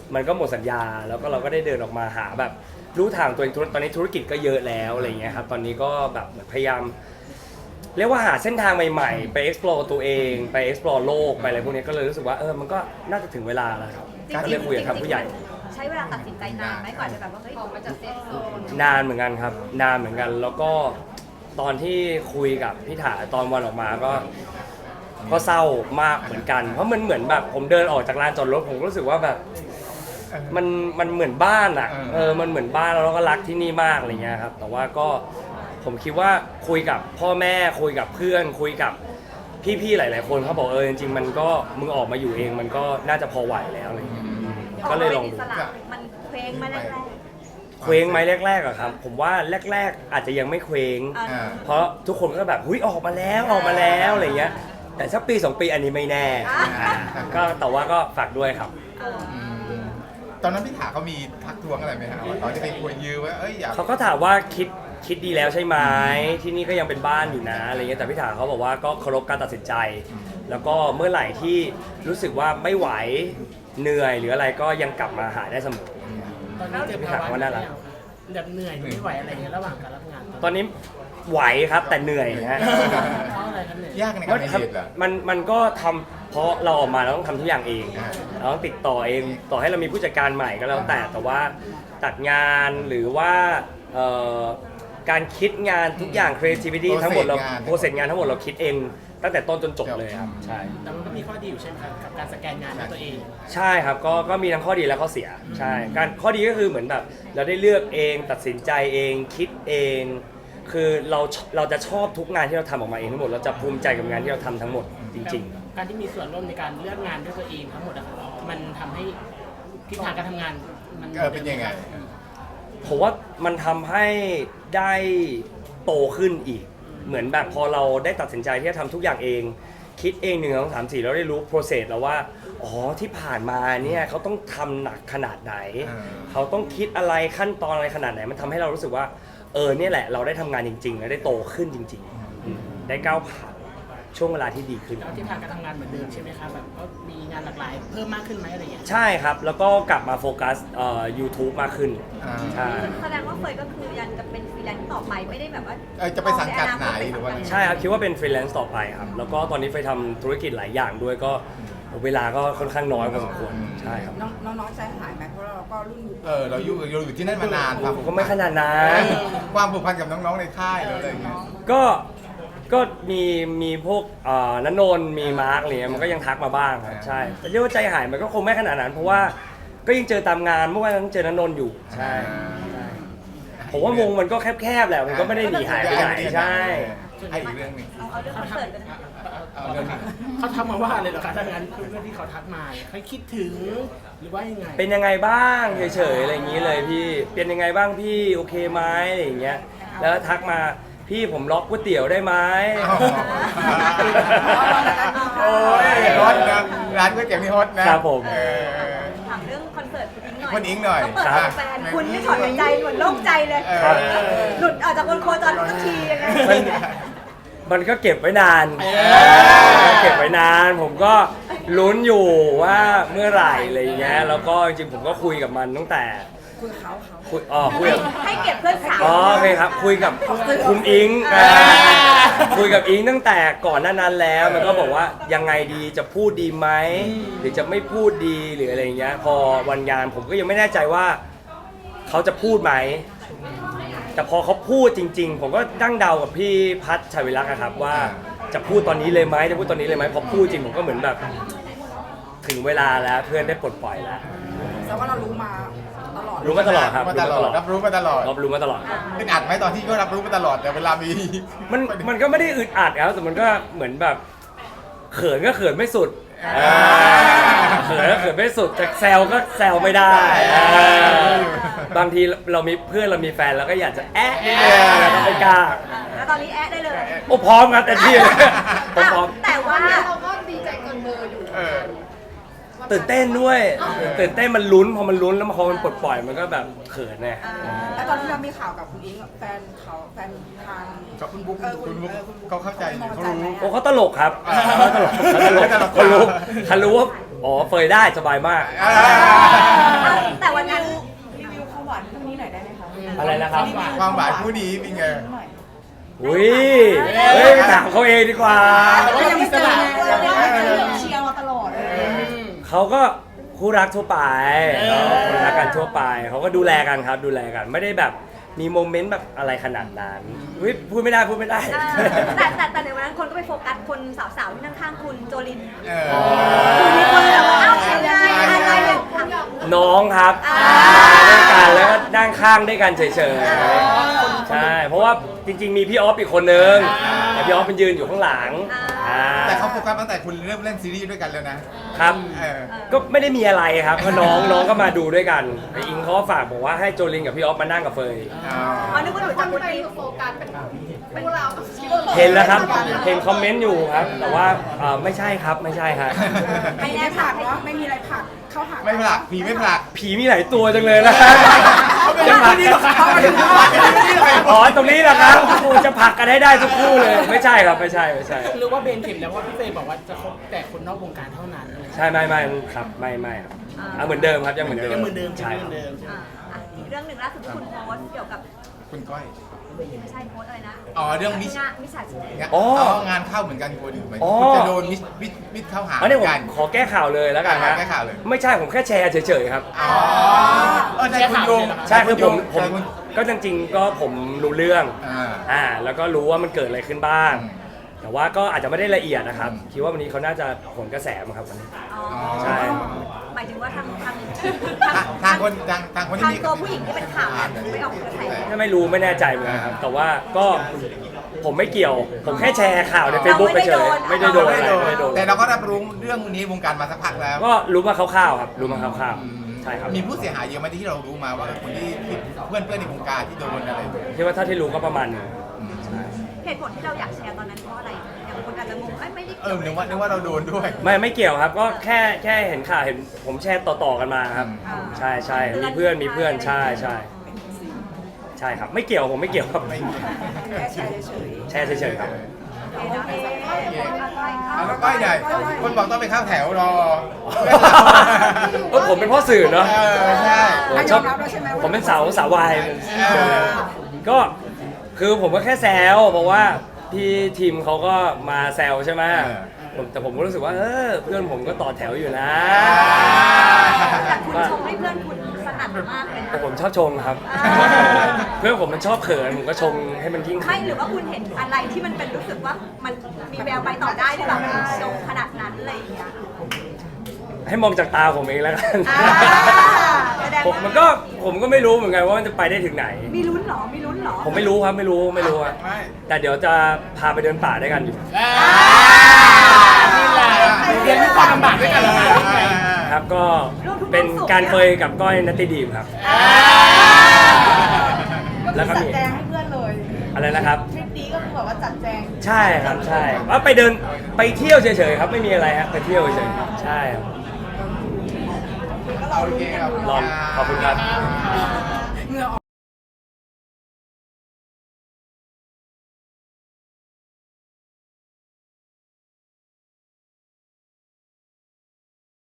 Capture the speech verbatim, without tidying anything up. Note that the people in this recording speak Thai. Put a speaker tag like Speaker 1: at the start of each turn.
Speaker 1: มันก็หมดสัญญาแล้วก็เราก็ได้เดินออกมาหาแบบรู้ทางตัวเองตอนนี้ธุรกิจก็เยอะแล้วอะไรเงี้ยครับตอนนี้ก็แบบเหมือนพยายามเรียกว่าหาเส้นทางใหม่ๆไป explore ตัวเองไป explore โลกไปอะไรพวกนี้ก็เลยรู้สึกว่าเออมันก็น่าจะถึงเวลาแล้วครับก็เลยคุยกับทางผู้ใหญ่
Speaker 2: ใช้เวลาตัดสินใจนานไหมก่อนจะแบบว่าเฮ้ยออกมาจากเซฟโซน
Speaker 1: นานเหมือนกันครับนานเหมือนกันแล้วก็ตอนที่คุยกับพี่ถาตอนวันออกมาก็ก็เศร้ามากเหมือนกันเพราะมันเหมือนแบบผมเดินออกจากลานจอดรถผมก็รู้สึกว่าแบบมันมันเหมือนบ้านอ่ะเออมันเหมือนบ้านแล้วเราก็รักที่นี่มากอะไรเงี้ยครับแต่ว่าก็ผมคิดว่าคุยกับพ่อแม่คุยกับเพื่อนคุยกับพี่ๆหลายๆคนเขาบอกเออจริงๆมันก็มึงออกมาอยู่เองมันก็น่าจะพอไหวแล้วอะไรเงี้ยก็เลยลองดู
Speaker 2: มันเคว้งมาแรก
Speaker 1: เคว้งไหมแรกๆอะครับผมว่าแรกๆอาจจะยังไม่เคว้งเพราะทุกคนก็แบบหุ้ยออกมาแล้วออกมาแล้วอะไรเงี้ยแต่สักปีสองปีอันนี้ไม่แน่ก็แต่ว่าก็ฝากด้วยครับ
Speaker 3: ตอนนั้นพี่ถาเขามีทักท้วงอะไรไหมครับตอนที่ไปคุยยืมว่าเอ้ยอยาก
Speaker 1: เขาก็ถามว่าคิดคิดดีแล้วใช่ไหมที่นี่ก็ยังเป็นบ้านอยู่นะอะไรเงี้ยแต่พี่ถาเขาบอกว่าก็เคารพการตัดสินใจแล้วก็เมื่อไหร่ที่รู้สึกว่าไม่ไหวเหนื่อยหรืออะไรก็ยังกลับมาหาได้เสมอ
Speaker 4: ตอนนี้เจอภาวะอะไรแบบเหนื่อยไม่ไหวอะไรเงี้ยระหว่างการรับงาน
Speaker 1: ตอนนี้ไหวครับแต่เหนื่อยฮะ
Speaker 4: เพราะอะไรครับเนี่ย
Speaker 3: ยากในการเรียนเหรอ
Speaker 1: มันมันก็ทำเพราะเราออกมาเราต้องทำทุกอย่างเองเราต้องติดต่อเองต่อให้เรามีผู้จัดการใหม่ก็แล้วแต่แต่ว่าตัดงานหรือว่าการคิดงานทุกอย่าง creativity ทั้งหมดเราโปรเซสงานทั้งหมดเราคิดเองตั้งแต่ต้นจนจบเลยครับใช่
Speaker 4: แต่มันก็มีข้อดีอยู่ใช่ไหมครับกับการสแกนงานด้วยตัวเอง
Speaker 1: ใช่ครับก็ก็มีทั้งข้อดีและข้อเสียใช่การข้อดีก็คือเหมือนแบบเราได้เลือกเองตัดสินใจเองคิดเองคือเราเราจะชอบทุกงานที่เราทำออกมาเองทั้งหมดเราจะภูมิใจกับงานที่เราทำทั้งหมดจริง
Speaker 4: ๆการที่มีส่วนร่วมในการเลือกงานด้วยตัวเองทั้งหมดอะมันทำให้ทิศทางการทำงานมัน
Speaker 3: เป็นยังไง
Speaker 1: ผมว่ามันทำให้ได้โตขึ้นอีกเหมือนแบบพอเราได้ตัดสินใจที่จะทำทุกอย่างเองคิดเองหนึ่งสองสามสี่เราได้รู้ process แล้วว่าอ๋อที่ผ่านมาเนี่ยเขาต้องทำหนักขนาดไหนเขาต้องคิดอะไรขั้นตอนอะไรขนาดไหนมันทำให้เรารู้สึกว่าเออเนี่ยแหละเราได้ทำงานจริงๆและได้โตขึ้นจริงๆได้ก้าวผ่านช่วงเวลาที่ดีขึ้น
Speaker 4: แล้วทิศทางการทำงานเหมือนเดิมใช่ไหมครับแบบก็มีงานหลากหลายเพิ่มมากขึ้นไหมอะไรอย่างเงี้ย
Speaker 1: ใช่ครับแล้วก็กลับมาโฟกัสเอ่อ YouTube มากขึ้น
Speaker 2: ใช่แสดงว่าเฟยก็คือยังจะเป็นฟรีแลนซ์ต่อไปไม่ได้แบบว่า
Speaker 3: จะไปสังกัดไหนหรือว่า
Speaker 1: ใช่ครับคิดว่าเป็นฟรีแลนซ์ต่อไปครับแล้วก็ตอนนี้เฟยทำธุรกิจหลายอย่างด้วยก็เวลาก็ค่อนข้างน้อยพอสมควรใช่ครับ
Speaker 5: น้องๆใจหายไหมเพราะเราก็รุ่น
Speaker 3: เออเราอยู่เราอยู่ที่นั่นมานาน
Speaker 1: ผมก็ไม่ขนาดนั้น
Speaker 3: ความผูกพันกับน้องๆในค่ายอะไรอย่างเงี้ย
Speaker 1: ก็ก็มีมีพวกณนนท์มีมาร์กอะไรเงี้ยมันก็ยังทักมาบ้างครับใช่แต่เรียกว่าใจหายมันก็คงไม่ขนาดนั้นเพราะว่าก็ยังเจอตามงานเมื่อวานยังเจอณนนท์อยู่ใช่ผมว่าวงมันก็แคบๆแหละมันก็ไม่ได้หนีหายไปไหนใช่
Speaker 3: ไอ้อีกเรื่องนึง
Speaker 2: เอาเอาเรื่องคอนเสิร์ตกัน
Speaker 4: เขาทักมาว่าอะไรหรอคะถ้างั้นเพื่อนที่เขาทักมาเขาคิดถึงหรือว่ายังไง
Speaker 1: เป็นยังไงบ้างเฉยๆอะไรอย่างนี้เลยพี่เป็นยังไงบ้างพี่โอเคไหมอะไรอย่างเงี้ยแล้วทักมาพี่ผมล็อกก๋วยเตี๋ยวได้ไหม
Speaker 3: โอ้ยฮอตนะร้านก๋วยเตี๋ยวนี่ฮอตนะครับ
Speaker 1: ผม
Speaker 2: ถามเรื่องคอนเสิร์ตคุณอิงหน่อย
Speaker 3: คุณอิงหน่อย
Speaker 2: เปิดแฟนคุณไม่ถอดใจเหมือนโล่งใจเลยหลุดออกจากคนโคจรทุกทียังไง
Speaker 1: มันก็เก็บไว้นานเก็บไว้นานผมก็ลุ้นอยู่ว่าเมื่อไหร่อะไรอย่างเงี้ยแล้วก็จริงๆผมก็คุยกับมันตั้งแต่
Speaker 5: คุยเขาเขา
Speaker 1: คุยอ๋อคุยกับ
Speaker 2: ให้เก็บเพื่อนสาว
Speaker 1: อ๋อโอเคครับคุยกับคุณอิงคุยกับอิงตั้งแต่ก่อนหน้านั้นแล้วมันก็บอกว่ายังไงดีจะพูดดีไหมหรือจะไม่พูดดีหรืออะไรอย่างเงี้ยพอวันงานผมก็ยังไม่แน่ใจว่าเขาจะพูดไหมแต่พอเขาพูดจริงๆผมก็ตั้งเดากับพี่พัชชัยวิรักษ์ครับว่าจะพูดตอนนี้เลยไหมจะพูดตอนนี้เลยไหมพอพูดจริงผมก็เหมือนแบบถึงเวลาแล้วเพื่อนได้ปลดปล่อยแล้ว
Speaker 5: แต่ว่าเรารู้มาตลอด
Speaker 1: รู้มาตลอดครับ
Speaker 3: รู้มาตลอดรับรู้มาตลอด
Speaker 1: รับรู้มาตลอด
Speaker 3: เป็นอัดไหมตอนที่ก็รับรู้มาตลอดแต่เวลามี
Speaker 1: มันมันก็ไม่ได้อึดอัดครับแต่มันก็เหมือนแบบเขินก็เขินไม่สุดเขินก็เขินไม่สุดแต่แซวก็แซวไม่ได้บางทีเรามีเพื่อนเรามีแฟนเราก็อยากจะแอะเราไม่กล้า
Speaker 2: แล้วตอนนี้แอะได้เลย
Speaker 1: โอ้พร้อมครับแต่ที่ผมพร้อม
Speaker 2: แต่ว่า
Speaker 5: เราก็ดีใจเกินเบอร์อยู่
Speaker 1: ตื่นเต้นด้วยตื่นเต้นมันลุ้นพอมันลุ้นแล้วพอมันปลดปล่อยมันก็แบบเขินไง
Speaker 5: แล้วตอนที่เรามีข่าวกับคุณอิงแฟนเขาแฟนทาง
Speaker 3: คุณบุ๊กคุณบุ๊กเขาเข้าใจเขารู้
Speaker 1: โอ้เขาตลกครับเขาตลกเขารู้เขารู้ว่าอ๋อเฟยได้สบายมาก
Speaker 3: อ่า
Speaker 2: แต่วันนั้น
Speaker 5: รีวิวความหวานคู่นี้หน่อยได้ไหมคะ
Speaker 1: อะไรนะครับ
Speaker 3: ความหวานคู่นี้เป็นไง
Speaker 5: หน่อย
Speaker 1: อุ้ยเฮ้ยไปถามเขาเองดีกว่า
Speaker 4: แต่ว่าเรามีสนาม
Speaker 5: เราไม่ได้เชียร์มาตลอดเลย
Speaker 1: เขาก็คู่รักทั่วไป
Speaker 4: เออ
Speaker 1: คนรักกันทั่วไปเขาก็ดูแลกันครับดูแลกันไม่ได้แบบมีโมเมนต์แบบอะไรขนาดนั้นอุ๊ยพูดไม่ได้พูดไม่ได้
Speaker 2: เออแต่แต่แต่ในวันนั้นคนก็ไปโฟกัสคนสาวๆที่นั่งข้างคุณโจลิน
Speaker 3: เอ
Speaker 2: คือมีคนแบบว่าเอ้า
Speaker 3: อ
Speaker 2: ยังไงอะไรเนี่ย
Speaker 1: น้องครับ
Speaker 2: อ่า
Speaker 1: ด้วยกันแล้วก็นั่งข้างด้วยกันเฉยๆใช่เพราะว่าจริงๆมีพี่ออฟอีกคนนึงแต่พี่ออฟมันยืนอยู่ข้างหลังอ่า
Speaker 3: แต่เขาโฟกัสตั้งแต่คุณเริ่มเล่นซีรีส์ด้วยกันแล้วนะครับ เออ
Speaker 1: ก็ไม่ได้มีอะไรครับก็น้องน้องก็มาดูด้วยกันไออิงเขาก็ฝากบอกว่าให้โจลินกับพี่ออฟมานั่งกับเฟย
Speaker 3: อ๋อ
Speaker 2: อ๋อนึกว่าหนูจะคุณอีฟ
Speaker 1: เห็นแล้วครับเห็นคอมเมนต์อยู่ครับ แต่ว่าเอ่อไม่ใช่ครับไม่ใช่ฮะ
Speaker 5: ไม่ได้ผลักเนาะไม่มีอะไรผลักเข้าหา
Speaker 3: ไม่ผลักผีไม่ผลัก
Speaker 1: ผีมีหลายตัวจังเลยนะจะผลักกันอ๋อตรงนี้นะครับกูจะผลักกันให้ได้ทุกคู่เลย ไม่ใช่ครับไม่ใช่ไม่ใช่
Speaker 4: หรือว่าเบนเข็มแล้วว่าพี่เฟย์บอกว่าจะคบแต่คนนอกวงการเท่านั้นอะไรอย่างเงี้ย
Speaker 1: ใช่ไม่ไม่ครับไม่ไม่ครับอ่ะเหมือนเดิมครับยังเหมือนเดิม
Speaker 4: ยังเหมือนเดิม
Speaker 1: ใช่
Speaker 4: ยังเหมือนเดิม
Speaker 2: อ่าอ่ะอีกเรื่องหนึ่งล่าสุดที่คุณโพสต์เกี่ยวกับ
Speaker 3: คุณก้อย
Speaker 2: ไม่ใช่โพสต์อะไรนะ
Speaker 3: อ๋อเรื่องมิส
Speaker 2: งานมิจฉาชีพ
Speaker 1: อ๋อ
Speaker 3: งานเข้าเหมือนกันคุณเหมือน
Speaker 1: อ๋อ
Speaker 3: คุณจะโดนมิสมิสมิสเข้าหา
Speaker 1: อันนี้ผม
Speaker 3: กัน
Speaker 1: ขอแก้ข่าวเลยแล้วกัน
Speaker 3: อ่า
Speaker 1: ฮะ
Speaker 3: แก้ข่าวเลย
Speaker 1: ไม่ใช่ผมแค่แชร์เฉยๆครับ
Speaker 3: อ๋อเออใช่คุณโยง
Speaker 1: ใช่คือผมผม
Speaker 3: ใช่คุณ
Speaker 1: ก็จริงๆก็ผมรู้เรื่อง
Speaker 3: อ่า
Speaker 1: อ่าแล้วก็รู้ว่ามันเกิดอะไรขึ้นบ้าง
Speaker 3: อืม
Speaker 1: แต่ว่าก็อาจจะไม่ได้ละเอียดนะครับ คิดว่าวันนี้เขาน่าจะผลกระแสมั้งครับวันนี้
Speaker 2: อ๋อ
Speaker 1: ใช่
Speaker 2: หมายถึงว่าทางทาง
Speaker 3: ทางทางคนทางทางคนที่
Speaker 2: ทาง
Speaker 3: มี
Speaker 2: ตัวผู้หญิงที่เป็นข่าวเนี่ยไม่ออกกระแส
Speaker 1: ถ้าไม่รู้ไม่แน่ใจเหมือนกันครับ แต่ว่าก็ผมไม่เกี่ยว ผมแค่แชร์ข่าวใน Facebook ไปเฉยไม่ได้โดนอะไรไม่ได้โดน
Speaker 3: แต่เราก็รับรู้เรื่องนี้วงการมาสักพักแล้ว
Speaker 1: ก็รู้มาคร่าวๆครับรู้มาคร่าว
Speaker 3: อืม
Speaker 1: ๆใช่ครับ
Speaker 3: มีผู้เสียหายเยอะไหมที่เรารู้มาว่าเออคนที่ที่เพื่อนเพื่อนในวงการที่โดนอะไร
Speaker 1: คิดว่าเท่าที่รู้ก็ประมาณหนึงใช่
Speaker 2: เหตุผลที่เราอยากแชร์ตอนนั้นเพราะอะไรอย่างคนอาจจะงงเอ้ยไม่ได้
Speaker 3: เออนึกว่านึกว่าเราโดนด้วย
Speaker 1: ไม่ไม่เกี่ยวครับก็แค่แค่เห็นข่าวเห็นผมแชร์ต่อๆกันมาครับ
Speaker 3: อืม
Speaker 1: ใช่ใช่มีเพื่อนมีเพื่อนใช่ใช่ใช่ครับไม่เกี่ยวผมไม่เกี่ยวครับ
Speaker 3: ไม่เกี่ยว
Speaker 5: แค่แชร์เฉย
Speaker 1: แชร์เฉยๆครับ
Speaker 2: โอเค
Speaker 3: เอาแล้วก้อยใหญ่คนบอกต้องไปเข้าแถวรอ
Speaker 1: เออผมเป็นพ่อสื่อเนาะ
Speaker 3: เออใช่
Speaker 1: ผมชอบผมเป็นสาวสาววายก็คือผมก็แค่แซวเพราะว่าพี่ทีมเขาก็มาแซวใช่ไหมผมแต่ผมก็รู้สึกว่าเออเพื่อนผมก็ต่อแถวอยู่นะ
Speaker 2: แต่คุณชมให้เพื่อนคุณสนั่นมากเลย
Speaker 1: แต่
Speaker 2: นะ
Speaker 1: ผมชอบชงครับ
Speaker 2: อ่า
Speaker 1: เพื่อนผมมันชอบเขินผมก็ชงให้มันยิ่ง
Speaker 2: ไม่หรือว่าคุณเห็นอะไรที่มันเป็นรู้สึกว่ามันมีแววไปต่อได้หรือเปล่ามันชงขนาดนั้นอะไรอย่างเงี้ย
Speaker 1: ให้มองจากตาผมเองแล้วกัน
Speaker 2: อ่าแสดง
Speaker 1: ผม
Speaker 2: ว่า
Speaker 1: มันก็ผมก็ไม่รู้เหมือนกันว่ามันจะไปได้ถึงไหน
Speaker 2: มีลุ้นเหรอมีลุ้นเหรอ
Speaker 1: ผมไม่รู้ครับไม่รู้ไม่รู้อะ
Speaker 3: ไม่
Speaker 1: แต่เดี๋ยวจะพาไปเดินป่าด้วยกันอยู่
Speaker 4: นี่แหละเรียนรู้ความลำบากด้วยกันเลย
Speaker 1: ครับก็เป็นการเคยกับก้อยนัตติดีมครับ
Speaker 5: ก็
Speaker 1: แล้ว
Speaker 5: คือ
Speaker 1: ก็
Speaker 5: จัด
Speaker 1: มี
Speaker 5: แจงให้เพื่อนเลย
Speaker 1: อะไรนะครับ
Speaker 5: ทริปนี้ก็คือแบบว่าจัดแจง
Speaker 1: ใช่ครับใช่ว่าไปเดินไปเที่ยวเฉยๆครับไม่มีอะไรฮะไปเที่ยวเฉยๆใช่ครับ
Speaker 3: โอเคครับ
Speaker 1: ลองขอบคุณครับ
Speaker 3: ค